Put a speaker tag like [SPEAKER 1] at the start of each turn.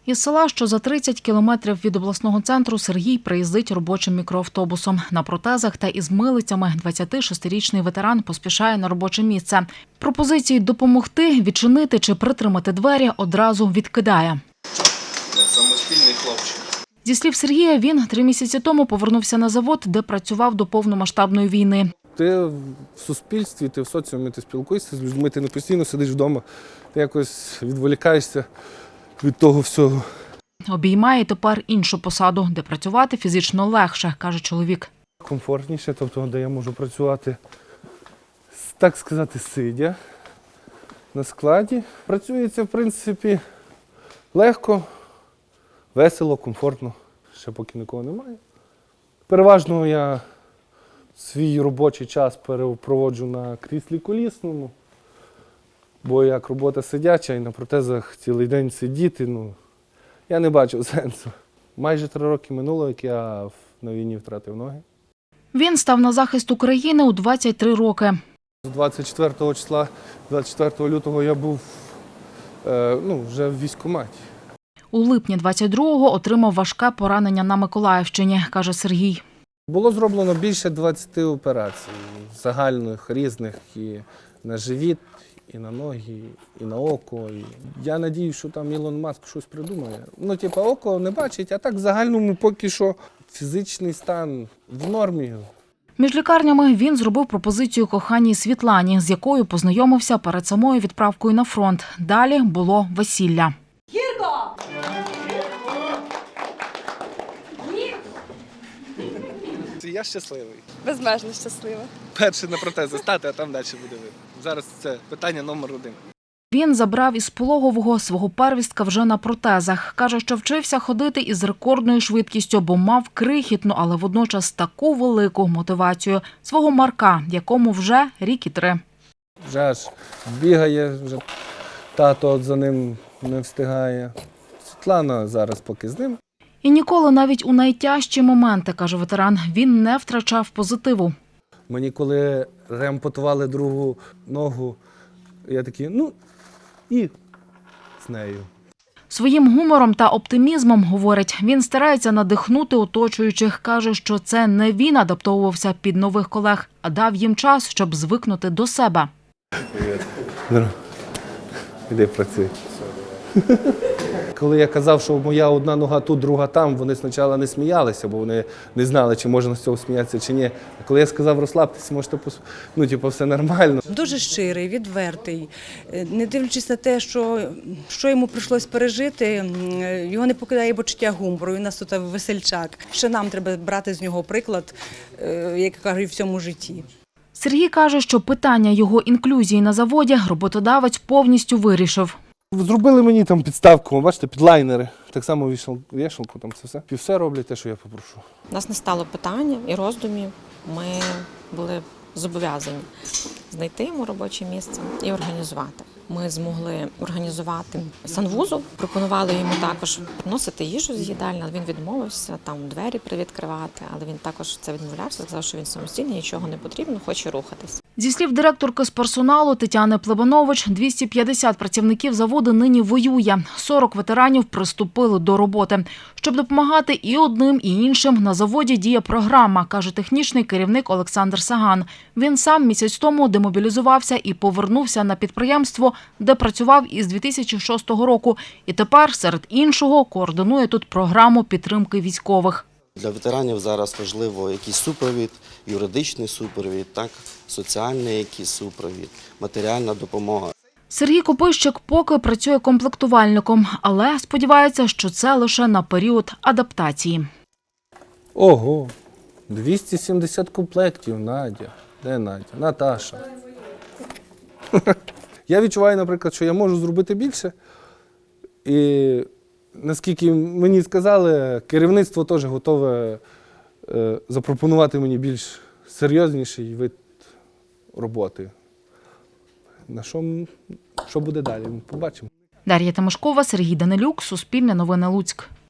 [SPEAKER 1] Із села, що за 30 кілометрів від обласного центру, Сергій приїздить робочим мікроавтобусом. На протезах та із милицями 26-річний ветеран поспішає на робоче місце. Пропозиції допомогти, відчинити чи притримати двері одразу відкидає.
[SPEAKER 2] Самостійний хлопчик.
[SPEAKER 1] Зі слів Сергія, він 3 місяці тому повернувся на завод, де працював до повномасштабної війни.
[SPEAKER 3] Ти в суспільстві, ти в соціумі, ти спілкуєшся з людьми, ти не постійно сидиш вдома, ти якось відволікаєшся від того всього.
[SPEAKER 1] Обіймає тепер іншу посаду, де працювати фізично легше, каже чоловік.
[SPEAKER 3] Комфортніше, тобто де я можу працювати, так сказати, сидя на складі. Працюється, в принципі, легко, весело, комфортно, ще поки нікого немає. Переважно я свій робочий час проводжу на кріслі колісному, бо як робота сидяча і на протезах цілий день сидіти, я не бачив сенсу. Майже 3 роки минуло, як я на війні втратив ноги.
[SPEAKER 1] Він став на захист України у 23 роки.
[SPEAKER 3] З 24 числа, 24 лютого я був вже в військкоматі.
[SPEAKER 1] У липні 22-го отримав важке поранення на Миколаївщині, каже Сергій.
[SPEAKER 3] Було зроблено більше 20 операцій, загальних, різних, і на живіт, і на ноги, і на око. Я надію, що там Ілон Маск щось придумає. Око не бачить, а так в загальному поки що фізичний стан в нормі.
[SPEAKER 1] Між лікарнями він зробив пропозицію коханій Світлані, з якою познайомився перед самою відправкою на фронт. Далі було весілля.
[SPEAKER 4] Гірко!
[SPEAKER 3] Я щасливий.
[SPEAKER 4] Безмежно щаслива.
[SPEAKER 3] Перший на протези стати, а там далі буде видно. Зараз це питання номер 1.
[SPEAKER 1] Він забрав із пологового свого первістка вже на протезах. Каже, що вчився ходити із рекордною швидкістю, бо мав крихітну, але водночас таку велику мотивацію – свого Марка, якому вже рік і 3.
[SPEAKER 3] Вже аж бігає, вже тато за ним не встигає. Світлана зараз поки з ним.
[SPEAKER 1] І ніколи навіть у найтяжчі моменти, каже ветеран, він не втрачав позитиву.
[SPEAKER 3] Мені коли реампутували другу ногу, я такий, і з нею.
[SPEAKER 1] Своїм гумором та оптимізмом, говорить, він старається надихнути оточуючих. Каже, що це не він адаптовувався під нових колег, а дав їм час, щоб звикнути до себе.
[SPEAKER 3] Привіт. Іди працюй. Коли я казав, що моя одна нога тут, друга там, вони спочатку не сміялися, бо вони не знали, чи можна з цього сміятися, чи ні. А коли я сказав, розслабтеся, можете, все нормально.
[SPEAKER 5] Дуже щирий, відвертий. Не дивлячись на те, що йому прийшлось пережити, його не покидає почуття гумору, він у нас тут весельчак. Ще нам треба брати з нього приклад, як кажуть, в цьому житті.
[SPEAKER 1] Сергій каже, що питання його інклюзії на заводі роботодавець повністю вирішив.
[SPEAKER 3] Зробили мені там підставку, бачите, підлайнери. Так само вішалку, там це все. І все роблять те, що я попрошу.
[SPEAKER 6] У нас не стало питання і роздумів. Ми були зобов'язані знайти йому робоче місце і організувати. Ми змогли організувати санвузол, пропонували йому також приносити їжу з їдальні, але він відмовився, там двері привідкривати, але він також це відмовлявся, сказав, що він самостійний, нічого не потрібно, хоче рухатись.
[SPEAKER 1] Зі слів директорки з персоналу Тетяни Плебанович, 250 працівників заводу нині воює. 40 ветеранів приступили до роботи. Щоб допомагати і одним, і іншим, на заводі діє програма, каже технічний керівник Олександр Саган. Він сам місяць тому демобілізувався і повернувся на підприємство, де працював із 2006 року. І тепер, серед іншого, координує тут програму підтримки військових.
[SPEAKER 7] Для ветеранів зараз важливо якийсь супровід, юридичний супровід, соціальний якийсь супровід, матеріальна допомога.
[SPEAKER 1] Сергій Копищик поки працює комплектувальником, але сподівається, що це лише на період адаптації.
[SPEAKER 3] Ого, 270 комплектів, Надя. Де Надя? Наташа. Я відчуваю, наприклад, що я можу зробити більше. І наскільки мені сказали, керівництво теж готове запропонувати мені більш серйозніший вид роботи. Що буде далі, побачимо.
[SPEAKER 1] Дар'я Тимошкова, Сергій Данилюк, Суспільне новини Луцьк.